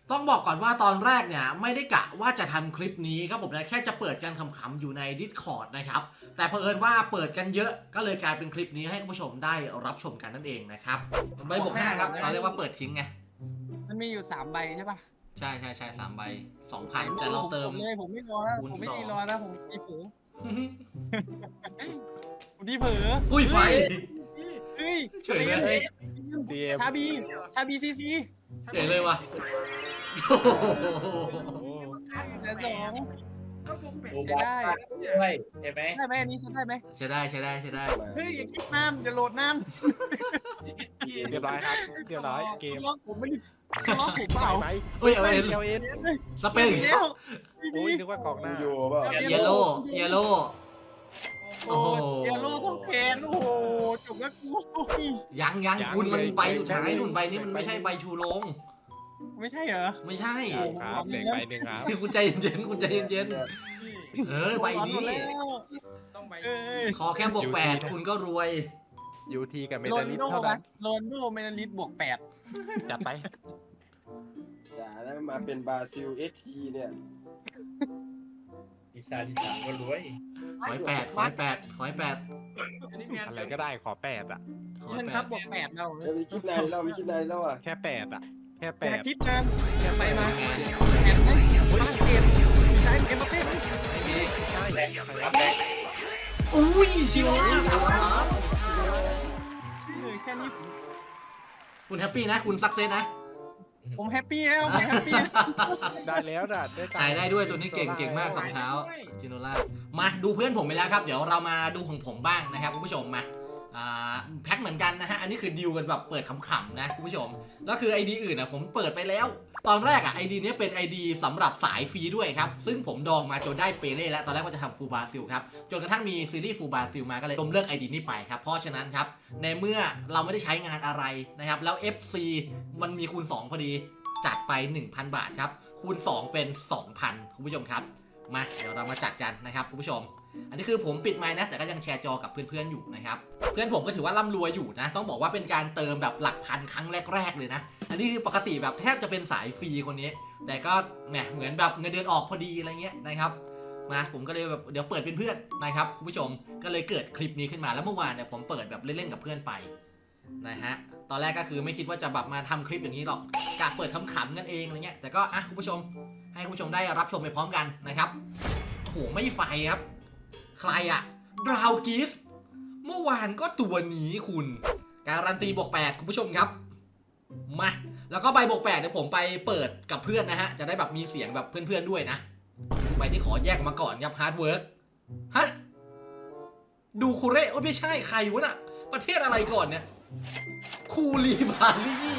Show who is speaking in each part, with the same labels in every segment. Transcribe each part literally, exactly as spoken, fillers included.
Speaker 1: ต้องบอกก่อนว่าตอนแรกเนี่ยไม่ได้กะว่าจะทำคลิปนี้ครับผมนะแค่จะเปิดกันขำๆอยู่ใน Discord นะครับแต่เผอิญว่าเปิดกันเยอะก็เลยกลายเป็นคลิปนี้ให้คุณผู้ชมได้รับชมกันนั่นเองนะครับใบบวกห้าครับเขาเรียกว่าเปิดทิ้งไง
Speaker 2: มันมีอยู่สามใบใช่ป่ะ
Speaker 1: ใช่ใช่ใช่สามใบสองพันแต่เราเติม
Speaker 2: เลยผมไม่รอแล้วผมไม่ตีรอแล้วผมตีเผลอผมตีเผลอ
Speaker 1: อุ้ยไฟ
Speaker 2: เฮ้ย
Speaker 1: เฉยเลย
Speaker 2: ชาบีชาบีซีซี
Speaker 1: เฉยเลยว่ะ
Speaker 2: แต่สอง
Speaker 3: ดูได้ด้วยใช่ไหม
Speaker 2: ได้ไหมอันนี้ฉันได้ไหม
Speaker 1: ใช่ได้ใช่ได้ใช่ได้
Speaker 2: เฮ้ยอย่าคิดนานอย่าโหลดนาน
Speaker 4: เรียบร้อยครับเรียบร้อยเกม
Speaker 2: ล็อกผมไม่ได้ล็อกผมเปล่า
Speaker 4: ไหม
Speaker 1: เฮ้ยเอาเอ็น
Speaker 4: เอเอ็น
Speaker 1: สเปน
Speaker 2: อีกแล้วพี่
Speaker 4: โอ้
Speaker 2: บี
Speaker 4: ยนึกว่ากองหน้า
Speaker 5: อยู่เปล่า
Speaker 1: เยลโล่เยลโล่โอ้โห
Speaker 2: เยลโล่ต้องแทนโอ้โหจบแล้วกู
Speaker 1: ยังยังคุณมันใบสุดท้ายหนุนใบนี้มันไม่ใช่ใบชูโรง
Speaker 2: ไม่ใช่เหรอ
Speaker 1: ไม่ใช่
Speaker 4: ครับเหล็กใบหนึ่งครับ
Speaker 1: คุณใจเย็นๆคุณใจเย็นๆเออใบนี้
Speaker 2: ต้องใบเอ้ย
Speaker 1: ขอแค่บวกแปดคุณก็รวย
Speaker 4: ยูทีกับเม
Speaker 2: โร
Speaker 4: ตาน ลิส
Speaker 2: โด
Speaker 4: เท่า
Speaker 2: ไหม
Speaker 4: นั้น
Speaker 2: โรนโดเมนาลิสบวกแปด
Speaker 4: จัดไป
Speaker 5: อย่าแล้วมาเป็นบราซิลเอสทีเนี่ย
Speaker 3: ดิซาดิซาก็รวย
Speaker 1: ขอให้แปดขอให้แปดขอให้แปด
Speaker 4: อะไรก็ได้ขอแปดอ่ะ
Speaker 1: ขอให้
Speaker 2: มัน
Speaker 1: แป
Speaker 2: ครั
Speaker 1: ด
Speaker 2: บบวกแปดเรา
Speaker 5: แล้วมีคลิปไหนเรามีคลิปไหนแล้วอ่ะ
Speaker 4: แค่แปดอ่ะแค่แป
Speaker 2: แปด
Speaker 4: ด
Speaker 2: ทิศนานแปดไปมาแปดไหมฝรั่งเศสใช้เอ็มบัปเป้ไหม
Speaker 3: แรงรับแรง
Speaker 1: อุ้ยชิโร่สามล้าน
Speaker 2: เลยแค่นี้
Speaker 1: คุณแฮปปี้นะคุณซักเซสนะ
Speaker 2: ผมแฮปปี้แล้วผมแฮปปี้
Speaker 4: ได้แล้วด่ะได้
Speaker 1: จ่ายได้ด้วยตัวนี้เก่งเก่งมากสองเท้าจิโนล่ามาดูเพื่อนผมไปแล้วครับเดี๋ยวเรามาดูของผมบ้างนะครับคุณผู้ชมมาอ่าแพ็คเหมือนกันนะฮะอันนี้คือดิวกันแบบเปิดขำๆนะคุณผู้ชมแล้วคือ ไอ ดี อื่นนะผมเปิดไปแล้ว ตอนแรกอ่ะ ไอ ดี นี้เป็น ไอ ดี สำหรับสายฟรีด้วยครับซึ่งผมดองมาจนได้เปเล่แล้วตอนแรกว่าจะทำฟูบาซิลครับจนกระทั่งมีซีรีส์ฟูบาซิลมาก็เลยล้มเลิก ไอ ดี นี้ไปครับเพราะฉะนั้นครับในเมื่อเราไม่ได้ใช้งานอะไรนะครับแล้ว เอฟ ซี มันมีคูณสองพอดีจัดไป หนึ่งพัน บาทครับคูณสองเป็น สองพัน คุณผู้ชมครับมาเดี๋ยวเรามาจัดกันนะครับคุณผู้ชมอันนี้คือผมปิดไมค์นะแต่ก็ยังแชร์จอกับเพื่อนๆอยู่นะครับเพื่อนผมก็ถือว่าร่ำรวยอยู่นะต้องบอกว่าเป็นการเติมแบบหลักพันครั้งแรกๆเลยนะอันนี้คือปกติแบบแทบจะเป็นสายฟรีคนนี้แต่ก็แหมเหมือนแบบเงินเดือนออกพอดีอะไรเงี้ยนะครับมาผมก็เลยแบบเดี๋ยวเปิดเป็นเพื่อนนะครับคุณผู้ชมก็เลยเกิดคลิปนี้ขึ้นมาแล้วเมื่อวานเนี่ยผมเปิดแบบเล่นๆกับเพื่อนไปนะฮะตอนแรกก็คือไม่คิดว่าจะแบบมาทำคลิปอย่างนี้หรอกกะเปิดขำๆกันเองอะไรเงี้ยแต่ก็อ่ะคุณผู้ชมให้คุณผู้ชมได้รับชมไปพร้อมกันนะครับโอ้โหไม่ไฟครับใครอะดราวกิฟเมื่อวานก็ตัวนี้คุณการันตีบวกแปดคุณผู้ชมครับมาแล้วก็ใบบวกแปดเดี๋ยวผมไปเปิดกับเพื่อนนะฮะจะได้แบบมีเสียงแบบเพื่อนๆด้วยนะใบที่ขอแยกมาก่อนครับฮาร์ดเวิร์กฮะดูคูเร่โอ้ไม่ใช่ใครวะน่ะประเทศอะไรก่อนเนี่ยคูลีบาลี่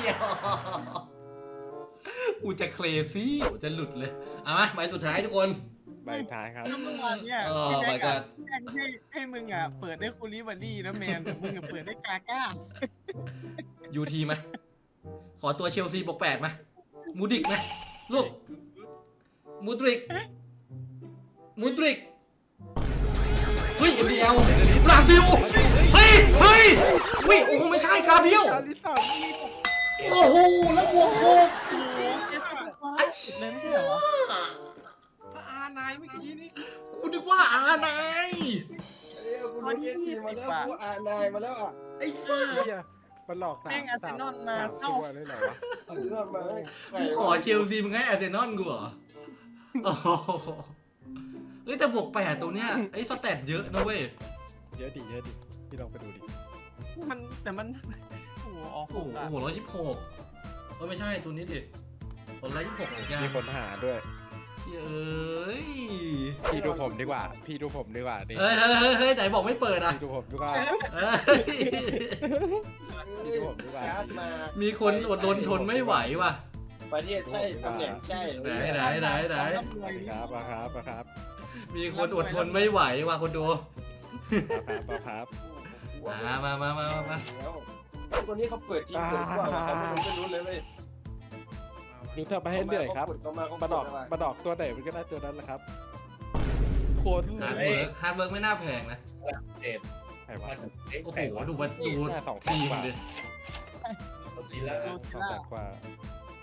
Speaker 1: กูจะเคลซี่กูจะหลุดเลยเอามาใบสุดท้ายทุกคน
Speaker 4: ใบท้ายครับ
Speaker 2: เมื่อวานเนี่ย
Speaker 1: เออ
Speaker 2: พี่แม็ก
Speaker 1: my
Speaker 2: อะ
Speaker 1: god
Speaker 2: แม่งให้ให้มึงอ่ะเปิดได้คูลิบารี่นะแมนแต่มึงอะเปิดได้กาก้า
Speaker 1: ยูทีไหมขอตัวเชลซีบวกแปดมามูดิกไหมลูกมูดริกมูดริกเฮ้ยเอ็มดีเอลบราซิลเฮ้ยเฮ้ยเฮ้ยโอ้โหไม่ใช่กราเบียลโอ้โหแล้วบวกโคก
Speaker 2: โอ้โหเจ๊จะบอกว่าเลยไม่ใช่เหรอ
Speaker 6: ถ้าอานายเมื่อกี้นี่
Speaker 1: กูนึกว่าอานาย
Speaker 5: เอ้ยกูดูเอสทีมาแล้วกูอ่านนายมาแล้วอ่ะ
Speaker 1: ไอ้ซ่า
Speaker 4: มันหลอกสาม
Speaker 2: แม่งอาร์เซนอลมา
Speaker 4: สาม
Speaker 2: เข้า
Speaker 4: ตัวเลยเหรอวะ
Speaker 5: อันนี้รอดมาได้ใคร
Speaker 1: กูขอเชลซีมึงให้อาร์เซนอลกูเหรอโอ้โหเอ้ยแต่บวกแปดตัวเนี้ยไอ้สแตทเยอะนะเว้ย
Speaker 4: เยอะดิเยอะดิพี่ลองไปดูดิ
Speaker 2: มันแต่มันโอ้โหออก
Speaker 1: โอ้โห
Speaker 2: อะ
Speaker 1: โอ้โหร้อยยี่สิบหกเออไม่ใช่ตัวนี้ดิตัวร้อยยี่สิบหกเหมือนกัน
Speaker 4: มีคนหาด้วย
Speaker 1: เอ้ย
Speaker 4: พี่ดูผมดีกว่า พี่ดูผมดีกว่าดิ
Speaker 1: เฮ้ยเฮ้ยเฮ้ยเฮ้ยไหนบอกไม่เปิดอ่ะ
Speaker 4: พี่ดูผมดีกว่า
Speaker 1: เฮ้ย
Speaker 4: พี่ดูผมดีกว่า
Speaker 5: การ์ดมา
Speaker 1: มีคนอดรนทนไม่ไหวว่ะ
Speaker 5: ประเทศใช่ตำแหน่งใช่
Speaker 1: ไหนไหนไหนไหน
Speaker 4: ครับมาครับมาครับ
Speaker 1: มีคนอดทนไม่ไหวว่ะคนดู
Speaker 4: มาครับมาครับ
Speaker 1: มามามามามามา
Speaker 5: แล้วตัวนี้เขาเปิดทีมเปิดกว่าเขาไม่รู้เลยเว้ย
Speaker 4: ดูเธอมาให้เหนื่อยครับ
Speaker 5: เขามาเขา
Speaker 4: มาดอกมาดอกตัวไหนมันก็ได้ตัวนั้นแหละครับโคตร
Speaker 1: ฮาร์ดเวิร์กฮาร์ดเวิร์กไม่น่าแพงนะ
Speaker 3: เจ็ด
Speaker 4: ใครวะ
Speaker 3: มันเอ๊ะ
Speaker 1: โอ้โห
Speaker 3: ไก่วะ
Speaker 1: ดูมันดู
Speaker 4: แค่สอง
Speaker 1: ทีม
Speaker 4: กว่า
Speaker 1: ดิ
Speaker 3: ซีล่า
Speaker 4: สองแสนกว่า
Speaker 3: โด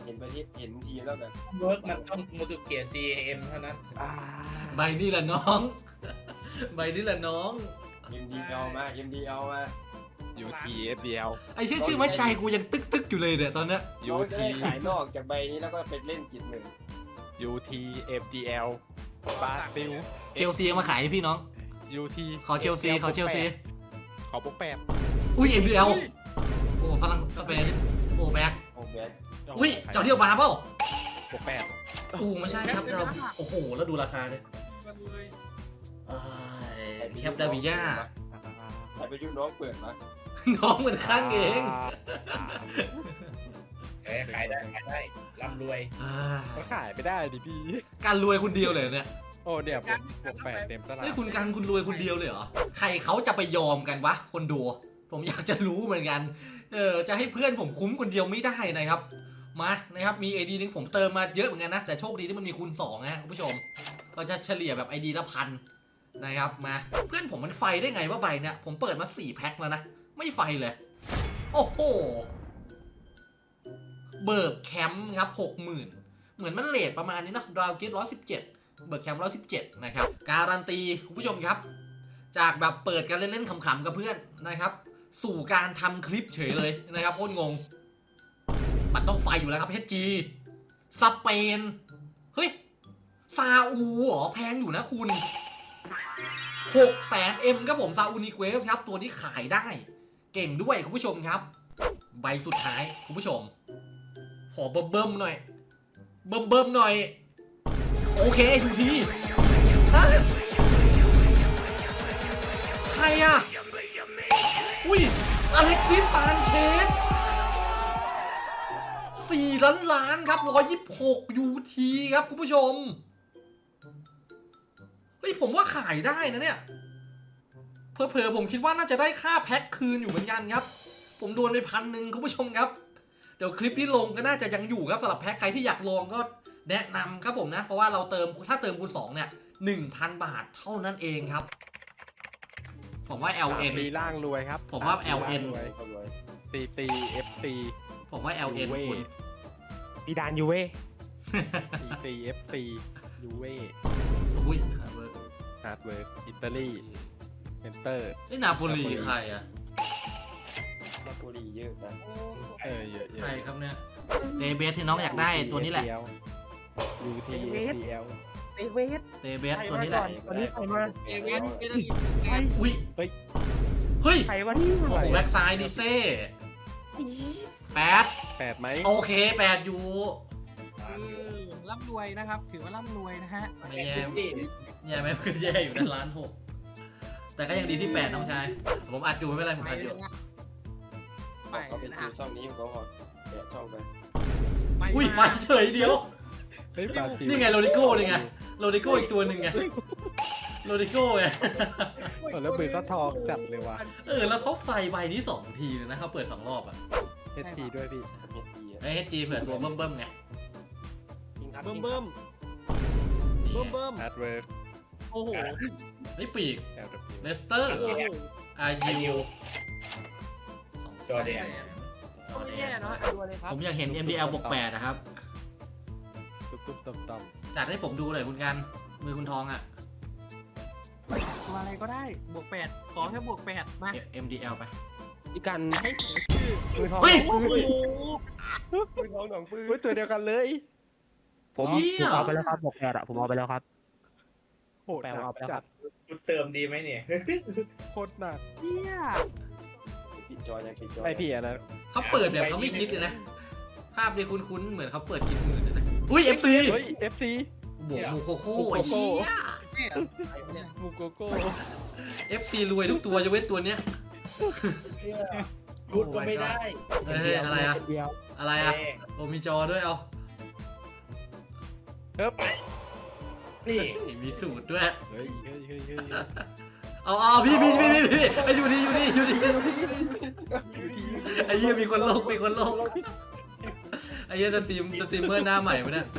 Speaker 5: ห็นประเทศเห็นทีมแล้วแบบ
Speaker 3: เวิร์กมันต้องมูตุเกียซีเอ็มเท่านั้น
Speaker 1: ใบนี่แหละน้อง ใบนี่แหละน้อง
Speaker 5: เอ็มดีเอามาเอ็มดีเอามา
Speaker 4: ยูทีเอฟดีเอล
Speaker 1: ไอ้ชื่อชื่อไว้ใจกูยังตึกตึกอยู่เลยเนี่ยตอนเนี้ย
Speaker 5: น้องจะได้ขายนอกจากใบนี้แล้วก็ไปเล่นกิจหนึ่ง
Speaker 4: ยูทีเอฟดีเอลบราซิล
Speaker 1: เชลซีมาขายให้พี่น้อง
Speaker 4: ยูที
Speaker 1: ขอเชลซีขอเชลซี
Speaker 4: ขอพวกแปด
Speaker 1: อุ้ยเอ็มดีเอลโอ้ฝรั่งสเปนโอ้แบ็ค
Speaker 5: โอ้แบท
Speaker 1: อุ้ยเจ้าเดียวบาร์เปล่า
Speaker 4: พวกแปด
Speaker 1: โอ้ไม่ใช่ครับเราโอ้โหแล้วดูราคาเลย
Speaker 6: กันเลย
Speaker 1: เอ้ยแคปดาวิย่า
Speaker 5: ใครไปยุ่น้องเปิดมา
Speaker 1: น้องเหมือนข้างเอง
Speaker 3: เอ้ยขายได้ขายได้ร่ำรวย
Speaker 1: อ่า
Speaker 4: ก็ขายไม่ได้ดิพี่
Speaker 1: การรวยคนเดียวเลยเนี่ย
Speaker 4: โอ้เดี๋ยวผมพวกแปดเต็มตลาด
Speaker 1: เฮ้ยคุณกันคุณรวยคนเดียวเลยเหรอใครเขาจะไปยอมกันวะคนดูผมอยากจะรู้เหมือนกันเออจะให้เพื่อนผมคุ้มคนเดียวไม่ได้นะครับมานะครับมี ไอ ดี นึงผมเติมมาเยอะเหมือนกันนะแต่โชคดีที่มันมีคูณสองนะคุณผู้ชมก็จะเฉลี่ยแบบ ไอ ดี ละพันนะครับมาเพื่อนผมมันไฟได้ไงว่าใบเนี่ยผมเปิดมาสี่แพ็คแล้วนะไม่ไฟเลยโอ้โหเบิร์กแคมป์ครับหกหมื่นเหมือนมันเลทประมาณนี้เนอะดาวเกตร้อยสิบเจ็ดเบิร์กแคมป์ร้อยสิบเจ็ดนะครับการันตีคุณผู้ชมครับจากแบบเปิดกันเล่นๆขำๆกับเพื่อนนะครับสู่การทำคลิปเฉยเลยนะครับโคตรงงมันต้องไฟอยู่แล้วครับ เอช จี สเปนเฮ้ยซาอูเหรอแพงอยู่นะคุณหกแสนเอ็มครับผมซาอูนิเควสครับตัวที่ขายได้เก่งด้วยคุณผู้ชมครับใบสุดท้ายคุณผู้ชมขอเบิ่มเบิ่มๆหน่อยเบิ่มเบิ่มๆหน่อยโอเคทูทีฮะใครอะอุ้ยอเล็กซิสซานเชสสี่ล้านล้านครับหนึ่งร้อยยี่สิบหกยูทีครับคุณผู้ชมเฮ้ยผมว่าขายได้นะเนี่ยเผลอๆผมคิดว่าน่าจะได้ค่าแพ็คคืนอยู่เหมือนกันครับผมโดนไปพันหนึ่งคุณผู้ชมครับเดี๋ยวคลิปที่ลงก็น่าจะยังอยู่ครับสำหรับแพ็คใครที่อยากลองก็แนะนำครับผมนะเพราะว่าเราเติมถ้าเติมคูณสองเนี่ย หนึ่งพัน บาทเท่านั้นเองครับผมว่า แอล เอ็น
Speaker 4: มีล่างรวยครับ
Speaker 1: ผมว่า แอล เอ็น
Speaker 5: เขารวย
Speaker 4: ซีตีเอฟซี
Speaker 1: ผมว่า แอล เอ็น
Speaker 4: ยูเว่
Speaker 1: คุณ
Speaker 7: มีดานยูเว่
Speaker 4: ซีตีเอฟซียูเว่
Speaker 1: อุ้ยฮาร์เวิร์ก
Speaker 4: ฮาร์ดเวิร์กอิตาลีเซ็นเตอร์
Speaker 1: ไอ้นาโปลีใครอะ
Speaker 5: นาโปลีเยอะนะ
Speaker 4: เออเยอะเยอะ
Speaker 1: ใครครับเนี่ยเตเบสที่น้องอยากได้ตัวนี้แหละ
Speaker 4: ยูทีเอฟดีเอล
Speaker 7: เตเวส
Speaker 1: เตเบสตัวนี้แหละ
Speaker 7: วันนี้ใครมา
Speaker 6: เอเวนเอเวนเอ
Speaker 1: อุ้ย
Speaker 4: เฮ้ย
Speaker 1: เฮ้ย
Speaker 7: ใครวะนี่
Speaker 1: โอ้โหแบ็กซ้ายดิเซ่แปด
Speaker 4: แปดไหม
Speaker 1: โอเคแปดอยู่
Speaker 6: ร่ำรวยนะครับ ถือว่าร่ำรวยนะฮะ
Speaker 1: ไม่แย่แย่ไหมคือแย่อยู่ในล้านหกแต่ก็ยังดีที่แปดน้องชายผมอัดอยู่ไม่เป็นไรผม
Speaker 6: ไป
Speaker 1: อัดอ
Speaker 6: เล
Speaker 1: ยู่
Speaker 6: ยนะไป
Speaker 5: เขาเป็น
Speaker 6: นะ
Speaker 5: คิ
Speaker 6: ฮะ
Speaker 5: วช่องนี้เขาพอแกะช่องไป
Speaker 1: อุ้ยไฟเฉยเดียว
Speaker 4: เฮ้ยบราซิล
Speaker 1: นี่ไงโรดิโก้นี่ไงโรดิโก้อีกตัวหนึ่งไงโรดิโก้ไง
Speaker 4: เออแล้วมือก็ทองจัดเลยว่ะ
Speaker 1: เออแล้วเขาไฟใบนี้สองทีเลยนะเขาเปิดสองรอบอ่ะ
Speaker 4: เอสทีด้วยพี่
Speaker 5: เฮ็ดดีอะ
Speaker 1: ไอ้เฮจีเผื่อตัวเบิ่มเบิ่มๆไง
Speaker 6: เบิ่มเบิ่มเบิ่มเบิ่ม
Speaker 4: ฮาร์ดเวิร์ก
Speaker 6: โอ้โห
Speaker 1: ไอ้ปีก
Speaker 4: แอลดับ
Speaker 1: เลสเตอร์
Speaker 6: โอ้โห
Speaker 1: อา
Speaker 3: อา
Speaker 1: ยุ
Speaker 3: ยุ
Speaker 1: จอแดน
Speaker 6: ไม่แย่เนาะดูเลยครับ
Speaker 1: ผมอยากเห็น เอ็ม ดี แอล บวกแปดนะครับ
Speaker 4: ตุ๊บตุ๊บต่อมต่อม
Speaker 1: จัดให้ผมดูหน่อยคุณกัน มือคุณทองอ่ะ
Speaker 6: ตัวอะไรก็ได้บวกแปดขอแค่บวกแปดมา
Speaker 1: เอ็ม ดี แอล ไป
Speaker 7: พี่กัน
Speaker 6: ให้ชื่อ
Speaker 7: มือทอง
Speaker 1: เฮ้ย
Speaker 6: โอ้โห
Speaker 5: ปืนทองหนองปืน
Speaker 4: เฮ้ยตัวเดียวกันเลย
Speaker 7: ผม
Speaker 1: เหี้
Speaker 7: ผ
Speaker 1: ย
Speaker 7: มเอาไปแล้วครับบอกแปดอะผมเอาไปแล้วครับ
Speaker 4: โหด
Speaker 7: แปลว่าเอาไปแล้วค
Speaker 4: จั
Speaker 7: รั
Speaker 4: ด
Speaker 7: บ
Speaker 3: คุณเติมดีไหมเนี่ย
Speaker 4: โคตรหนัก
Speaker 6: เหี้ย
Speaker 5: ปิดจอยังปิดจอ
Speaker 4: ไอพี่อันนั้น
Speaker 1: เขาเปิดแบบเขาไม่คิดเลยนะ ภาพนี้คุ้นๆ เหมือนเขาเปิดคิดหมื่นเลยนะ อุ้ย เอฟ ซี
Speaker 4: เฮ้ยเอฟซี
Speaker 1: บวกมูโคโค่
Speaker 4: มูโค
Speaker 1: ไอ้
Speaker 4: โค่
Speaker 1: เหี้ย
Speaker 6: เนี่ย
Speaker 4: มูโกโก้
Speaker 1: เอฟ ซี รวยทุกตัวยกเว้นตัวเนี้ย
Speaker 3: รูดก็ไม่ได้
Speaker 1: เฮ้ยอะไรอะ
Speaker 7: เดียว
Speaker 1: อะไรอะโอ้มีจอด้วยเอา
Speaker 4: เฮ้ย
Speaker 3: นี่
Speaker 1: มีสูตรด้วย
Speaker 4: เฮ้ยเฮ้ยเฮ้ยเฮ้ย
Speaker 1: เอาเอาพี่พี่พี่พี่พี่ไอ้อยู่นี่อยู่นี่อยู่นี่ไอ้เหี้ยมีคนโลกมีคนโลกไอ้เหี้ยสตรีมสตรีมเมอร์หน้าใหม่ปะเนี่ย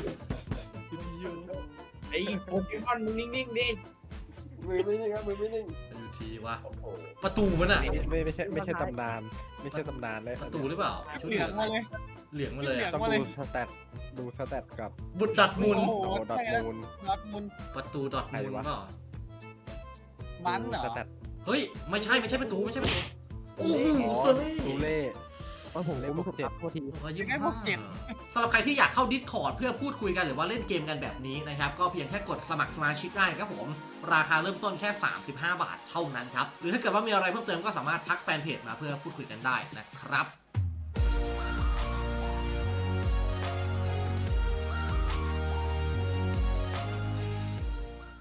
Speaker 3: ไอ้โปเกมอนมึงนิ่งๆดิ
Speaker 5: มือไม่นิ่งครับมือไม่นิ่ง
Speaker 1: อยู่ทีวะ
Speaker 3: โอ้โห
Speaker 1: ประตูมันอะ
Speaker 4: ไม่ไม่ใช่ไม่ใช่ตำนาน ไม่ใช่ตำนานเลย
Speaker 1: ประตูหรือเปล่าชุด
Speaker 6: เหลืองมาเลย
Speaker 1: เหลืองมาเลยอะ
Speaker 4: ต้องดูสแตทดูสแตทกับ
Speaker 1: บุตรดอทมูล
Speaker 2: โอ้โห
Speaker 4: โนดอทมูล
Speaker 2: ดอทมุน
Speaker 1: ประตูดอทมูล
Speaker 4: ใครวะ
Speaker 1: เปล่า
Speaker 2: บันเหรอ
Speaker 4: สแตท
Speaker 1: เฮ้ยไม่ใช่ไม่ใช่ประตูไม่ใช่ประตูโอ้โห
Speaker 4: อ๋อ
Speaker 1: เซเล่
Speaker 4: ตูเล่
Speaker 7: เออผมผมผมครับโทษที
Speaker 1: ยังไงพวกเจ็ดสำหรับใครที่อยากเข้า Discord เพื่อพูดคุยกันหรือว่าเล่นเกมกันแบบนี้นะครับก็เพียงแค่กดสมัครสมาชิกได้ครับผมราคาเริ่มต้นแค่สามสิบห้าบาทเท่านั้นครับหรือถ้าเกิดว่ามีอะไรเพิ่มเติมก็สามารถทักแฟนเพจมาเพื่อพูดคุยกันได้นะครับ